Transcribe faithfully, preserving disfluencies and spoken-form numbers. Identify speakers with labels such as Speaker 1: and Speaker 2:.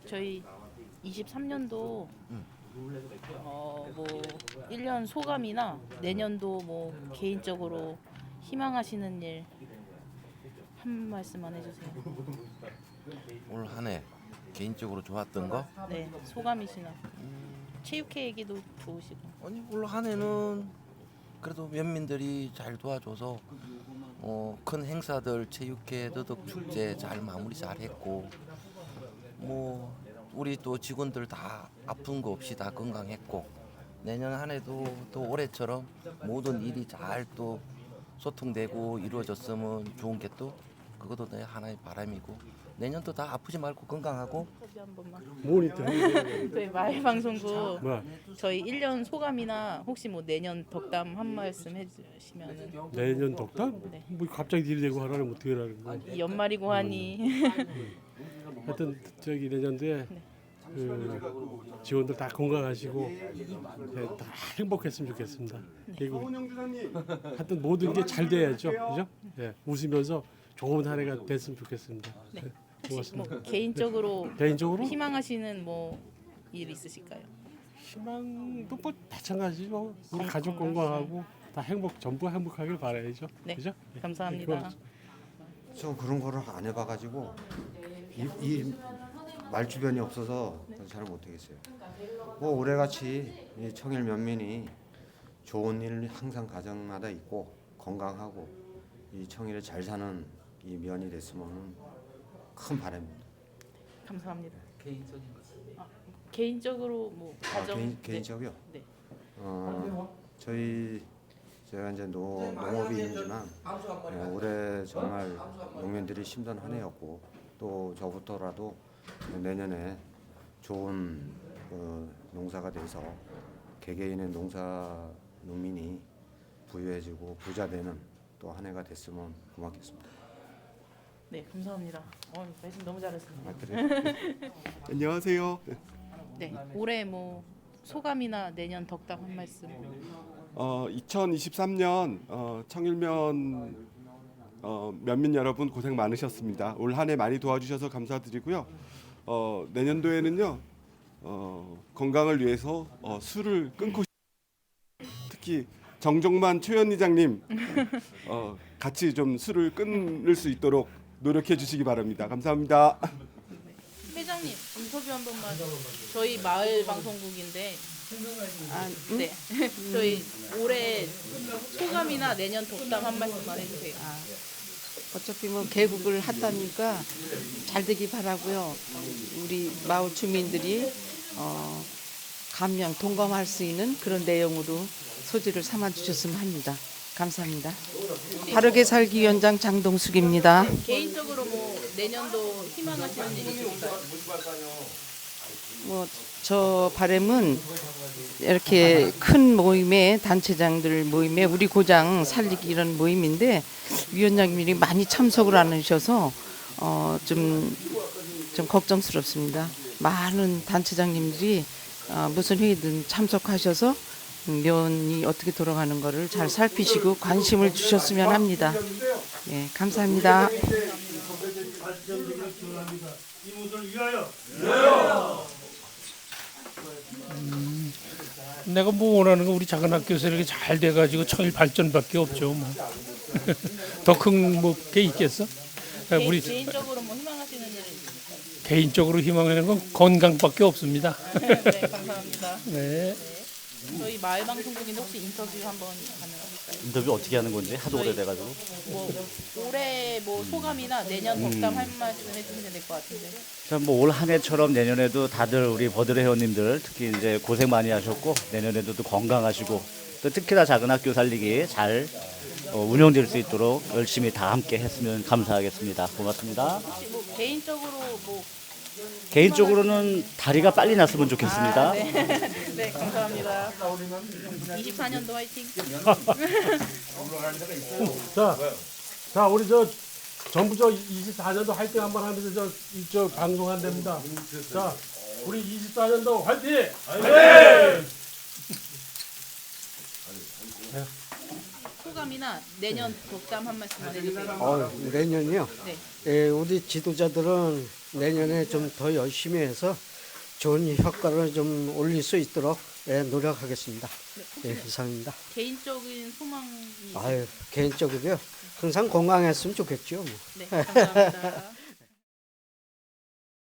Speaker 1: 저희 이십삼 년도
Speaker 2: 음.
Speaker 1: 어뭐 일 년 소감이나 내년도 뭐 개인적으로 희망하시는 일 한 말씀만 해주세요.
Speaker 2: 올 한 해 개인적으로 좋았던 거?
Speaker 1: 네, 소감이시나
Speaker 2: 음,
Speaker 1: 체육회 얘기도 좋으시고.
Speaker 2: 아니 올 한 해는 그래도 면민들이 잘 도와줘서 어, 큰 행사들 체육회 더덕 축제 잘 마무리 잘 했고 뭐 우리 또 직원들 다 아픈 거 없이 다 건강했고 내년 한 해도 또 올해처럼 모든 일이 잘 또 소통되고 이루어졌으면 좋은 게 또 그것도 내 하나의 바람이고 내년도 다 아프지 말고 건강하고
Speaker 1: 인터뷰 한 번만.
Speaker 3: 모니터
Speaker 1: 저희 마을방송국
Speaker 3: 뭐야?
Speaker 1: 저희 일 년 소감이나 혹시 뭐 내년 덕담 한 말씀 해주시면은.
Speaker 3: 내년 덕담?
Speaker 1: 네.
Speaker 3: 뭐 갑자기 딜대고 하라면 어떻게 하라는 거야?
Speaker 1: 이 연말이고 하니
Speaker 3: 하여튼 저기 내년도에 그 직원들 다 건강하시고 네, 다 행복했으면 좋겠습니다. 그리고 하여튼 모든 게 잘 돼야죠, 그죠? 네, 웃으면서 좋은 한 해가 됐으면 좋겠습니다.
Speaker 1: 네.
Speaker 3: 네,
Speaker 1: 혹시
Speaker 3: 고맙습니다.
Speaker 1: 뭐 개인적으로
Speaker 3: 개인적으로
Speaker 1: 희망하시는 뭐 일 있으실까요?
Speaker 3: 희망도 뭐 마찬가지죠. 우리 가족 건강하고 다 행복, 전부 행복하길 바라야죠,
Speaker 1: 네.
Speaker 3: 그죠?
Speaker 1: 감사합니다.
Speaker 4: 저 그런 거를 안 해봐가지고 이, 이 말주변이 없어서 잘 못하겠어요. 뭐 올해같이 이 청일 면민이 좋은 일 항상 가정마다 있고 건강하고 이 청일에 잘 사는 이 면이 됐으면 큰 바람입니다.
Speaker 1: 감사합니다. 개인적인 것. 아, 개인적으로 뭐
Speaker 4: 아,
Speaker 1: 가정.
Speaker 4: 개인,
Speaker 1: 네.
Speaker 4: 개인적이요?
Speaker 1: 네.
Speaker 4: 어, 저희 제가 이제 노, 농업인이지만 예, 올해 정말 농민들이 힘든 한 해였고 또 저부터라도 내년에 좋은 어, 농사가 돼서 개개인의 농사 농민이 부유해지고 부자 되는 또 한 해가 됐으면 고맙겠습니다.
Speaker 1: 네, 감사합니다. 어, 말씀 너무 잘하셨습니다.
Speaker 4: 아, 그래요?
Speaker 5: 안녕하세요.
Speaker 1: 네, 올해 뭐 소감이나 내년 덕담 한 말씀.
Speaker 5: 어, 이천이십삼 년 어, 청일면 어, 면민 여러분 고생 많으셨습니다. 올 한 해 많이 도와주셔서 감사드리고요. 어, 내년도에는요 어, 건강을 위해서 어, 술을 끊고 싶- 특히 정종만 최연이장님 어, 같이 좀 술을 끊을 수 있도록 노력해 주시기 바랍니다. 감사합니다.
Speaker 1: 회장님 인터뷰 한 번만. 저희 마을 방송국인데. 아, 네. 저희 올해 소감이나 내년 덕담 한 말씀만 해주세요.
Speaker 6: 아, 어차피 뭐 개국을 한다니까 잘 되기 바라고요. 우리 마을 주민들이 어, 감명 동감할 수 있는 그런 내용으로 소지를 삼아 주셨으면 합니다. 감사합니다. 바르게 살기 위원장 장동숙입니다.
Speaker 1: 개인적으로 뭐 내년도 희망하시는 일 있으실까요?
Speaker 6: 뭐 저 바람은 이렇게 큰 모임에 단체장들 모임에 우리 고장 살리기 이런 모임인데 위원장님이 많이 참석을 안 하셔서 어, 좀, 좀 걱정스럽습니다. 많은 단체장님들이 어, 무슨 회의든 참석하셔서 면이 어떻게 돌아가는 것을 잘 살피시고 관심을 주셨으면 합니다. 예, 감사합니다.
Speaker 7: 내가 뭐 원하는 거 우리 작은 학교에서 이렇게 잘 돼가지고 청일 발전밖에 없죠. 뭐. 더 큰 뭐 게 있겠어? 아,
Speaker 1: 개,
Speaker 7: 우리
Speaker 1: 개인적으로 뭐 희망하시는 일 있으실까요?
Speaker 7: 개인적으로 희망하는 건 건강밖에 없습니다.
Speaker 1: 네, 감사합니다.
Speaker 7: 네.
Speaker 1: 저희 마을 방송국인데 혹시 인터뷰 한번 가능하실까요?
Speaker 8: 인터뷰 어떻게 하는 건지 하도
Speaker 1: 저희-
Speaker 8: 오래돼가지고
Speaker 1: 뭐 올해 뭐 소감이나 내년 덕담 할 말씀 해주시면 될 것 같은데.
Speaker 8: 뭐올 한 해처럼 내년에도 다들 우리 버드레 회원님들 특히 이제 고생 많이 하셨고 내년에도 또 건강하시고 또 특히나 작은 학교 살리기 잘 어, 운영될 수 있도록 열심히 다 함께 했으면 감사하겠습니다. 고맙습니다.
Speaker 1: 혹시 뭐 개인적으로 뭐.
Speaker 8: 개인적으로는 다리가 빨리 났으면 좋겠습니다.
Speaker 1: 아, 네. 네, 감사합니다. 이십사 년도 화이팅.
Speaker 3: 자, 자 우리 저 전부 저 이십사 년도 화이팅 한번 하면서 저, 이- 저 방송한답니다. 자, 우리 이십사 년도 화이팅! 화이팅!
Speaker 1: 소감이나 내년 덕담 한 말씀 해주세요.
Speaker 9: 어, 내년이요.
Speaker 1: 네.
Speaker 9: 예, 우리 지도자들은 내년에 좀 더 열심히 해서 좋은 효과를 좀 올릴 수 있도록 예, 노력하겠습니다. 예, 이상입니다.
Speaker 1: 개인적인 소망이 있으세요?
Speaker 9: 아유, 개인적으로요. 항상 건강했으면 좋겠죠. 뭐.
Speaker 1: 네, 감사합니다.